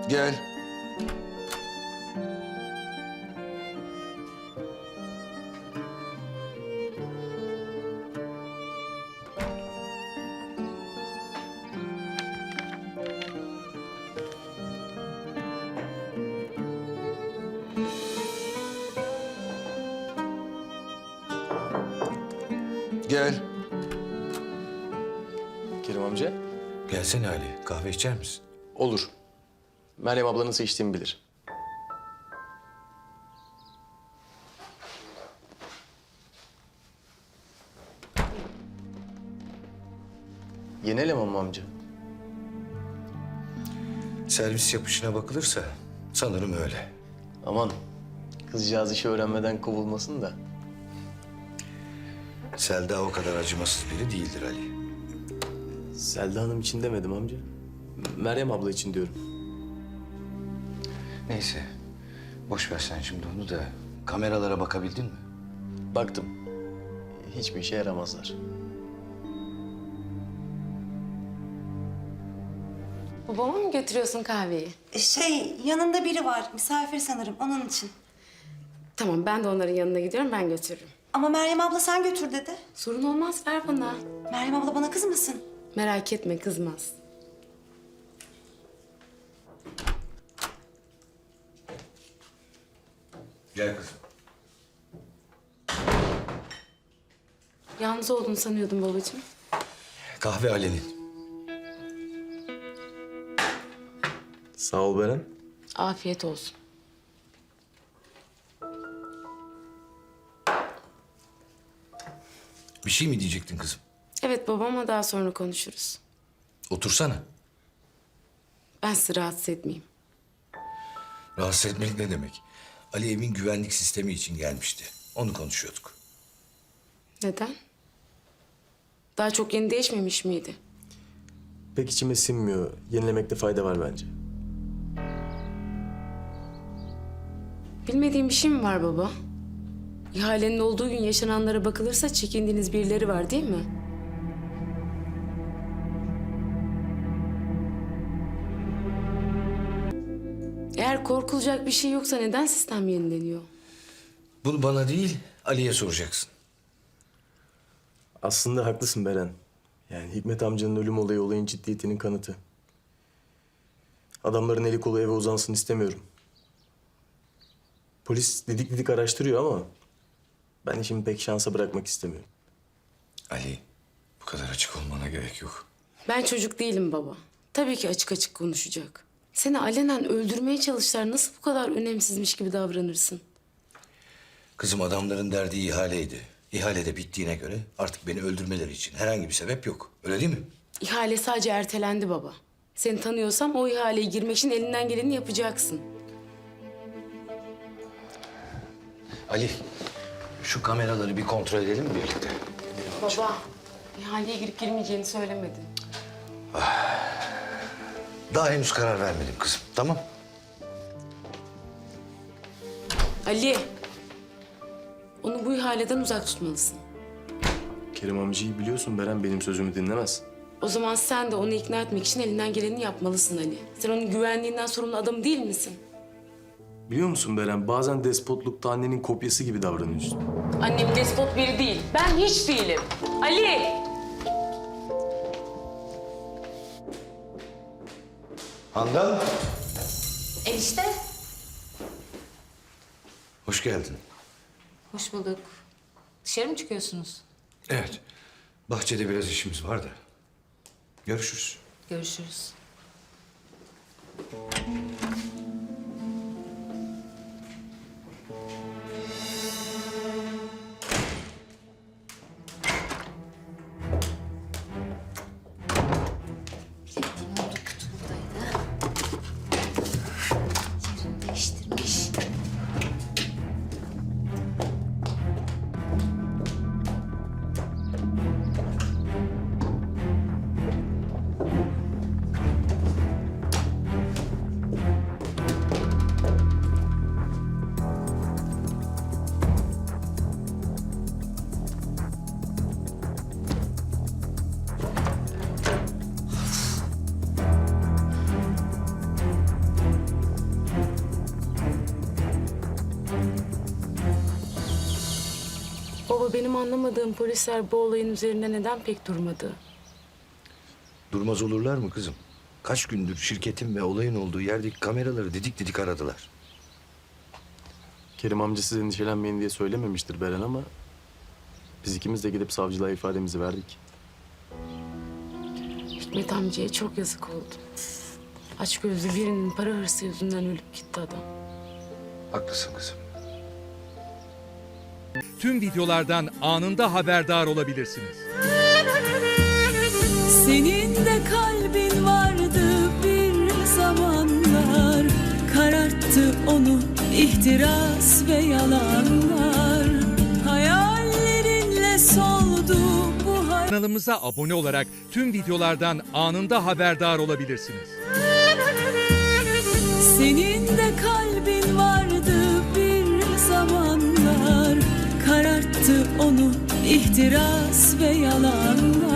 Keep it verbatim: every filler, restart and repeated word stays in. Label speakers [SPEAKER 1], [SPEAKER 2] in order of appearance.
[SPEAKER 1] Gel. Gel.
[SPEAKER 2] Kerim amca.
[SPEAKER 3] Gelsene Ali, kahve içer misin?
[SPEAKER 2] Olur. Meryem ablanın seçtiğimi bilir. Yeni eleman mı amca?
[SPEAKER 3] Servis yapışına bakılırsa sanırım öyle.
[SPEAKER 2] Aman kızcağız işi öğrenmeden kovulmasın da.
[SPEAKER 3] Selda o kadar acımasız biri değildir Ali.
[SPEAKER 2] Selda Hanım için demedim amca. Meryem abla için diyorum.
[SPEAKER 3] Neyse, boş ver sen şimdi onu da. Kameralara bakabildin mi?
[SPEAKER 2] Baktım. Hiçbir işe yaramazlar.
[SPEAKER 4] Babama mı götürüyorsun kahveyi?
[SPEAKER 5] Şey, yanında biri var. Misafir sanırım, onun için.
[SPEAKER 4] Tamam, ben de onların yanına gidiyorum, ben götürürüm.
[SPEAKER 5] Ama Meryem abla sen götür dedi.
[SPEAKER 4] Sorun olmaz, ver bana.
[SPEAKER 5] Meryem abla bana kızmasın.
[SPEAKER 4] Merak etme, kızmaz.
[SPEAKER 3] Gel kızım.
[SPEAKER 4] Yalnız olduğunu sanıyordum babacığım.
[SPEAKER 3] Kahve Ali'nin.
[SPEAKER 2] Sağ ol Beren.
[SPEAKER 4] Afiyet olsun.
[SPEAKER 3] Bir şey mi diyecektin kızım?
[SPEAKER 4] Evet babama daha sonra konuşuruz.
[SPEAKER 3] Otursana.
[SPEAKER 4] Ben sizi rahatsız etmeyeyim.
[SPEAKER 3] Rahatsız etmek ne demek? Ali evin güvenlik sistemi için gelmişti. Onu konuşuyorduk.
[SPEAKER 4] Neden? Daha çok yeni değişmemiş miydi?
[SPEAKER 2] Pek içime sinmiyor. Yenilemekte fayda var bence.
[SPEAKER 4] Bilmediğim bir şey mi var baba? İhalenin olduğu gün yaşananlara bakılırsa çekindiğiniz birileri var değil mi? Eğer korkulacak bir şey yoksa neden sistem yenileniyor?
[SPEAKER 3] Bunu bana değil, Ali'ye soracaksın.
[SPEAKER 2] Aslında haklısın Beren. Yani Hikmet amcanın ölüm olayı olayın ciddiyetinin kanıtı. Adamların eli kolu eve uzansın istemiyorum. Polis didik didik araştırıyor ama ben işimi pek şansa bırakmak istemiyorum.
[SPEAKER 3] Ali, bu kadar açık olmana gerek yok.
[SPEAKER 4] Ben çocuk değilim baba. Tabii ki açık açık konuşacak. Seni alenen öldürmeye çalıştılar. Nasıl bu kadar önemsizmiş gibi davranırsın?
[SPEAKER 3] Kızım adamların derdi ihaleydi. İhale de bittiğine göre artık beni öldürmeleri için herhangi bir sebep yok. Öyle değil mi?
[SPEAKER 4] İhale sadece ertelendi baba. Seni tanıyorsam o ihaleye girmek için elinden geleni yapacaksın.
[SPEAKER 3] Ali, şu kameraları bir kontrol edelim mi birlikte?
[SPEAKER 4] Baba, ihaleye girip girmeyeceğini söylemedi.
[SPEAKER 3] Daha henüz karar vermedim kızım, tamam?
[SPEAKER 4] Ali, onu bu ihaleden uzak tutmalısın.
[SPEAKER 2] Kerim amcayı biliyorsun Beren, benim sözümü dinlemez.
[SPEAKER 4] O zaman sen de onu ikna etmek için elinden geleni yapmalısın Ali. Sen onun güvenliğinden sorumlu adam değil misin?
[SPEAKER 2] Biliyor musun Beren, bazen despotlukta annenin kopyası gibi davranıyorsun.
[SPEAKER 4] Annem despot biri değil. Ben hiç değilim. Ali!
[SPEAKER 3] Handan,
[SPEAKER 6] Enişte.
[SPEAKER 3] hoş geldin.
[SPEAKER 6] Hoş bulduk. Dışarı mı çıkıyorsunuz?
[SPEAKER 3] Evet, bahçede biraz işimiz var da. Görüşürüz.
[SPEAKER 6] Görüşürüz. Bildiğim oldu, kutu buradaydı. Yerini değiştirmiş.
[SPEAKER 4] Baba benim anlamadığım polisler bu olayın üzerinde neden pek durmadı?
[SPEAKER 3] Durmaz olurlar mı kızım? Kaç gündür şirketin ve olayın olduğu yerdeki kameraları didik didik aradılar.
[SPEAKER 2] Kerim amca siz endişelenmeyin diye söylememiştir Beren ama... ...biz ikimiz de gidip savcılığa ifademizi verdik.
[SPEAKER 4] Hikmet amcaya çok yazık oldu. Açgözlü birinin para hırsı yüzünden ölüp gitti adam.
[SPEAKER 3] Haklısın kızım.
[SPEAKER 1] Tüm videolardan anında haberdar olabilirsiniz.
[SPEAKER 7] Senin de kalbin vardı bir zamanlar, kararttı onu ihtiras ve yalanlar. Hayallerinle soldu bu hayat.
[SPEAKER 1] Kanalımıza abone olarak tüm videolardan anında haberdar olabilirsiniz.
[SPEAKER 7] Senin de kalbin vardı bir zamanlar, kararttı onu ihtiras ve yalanlar.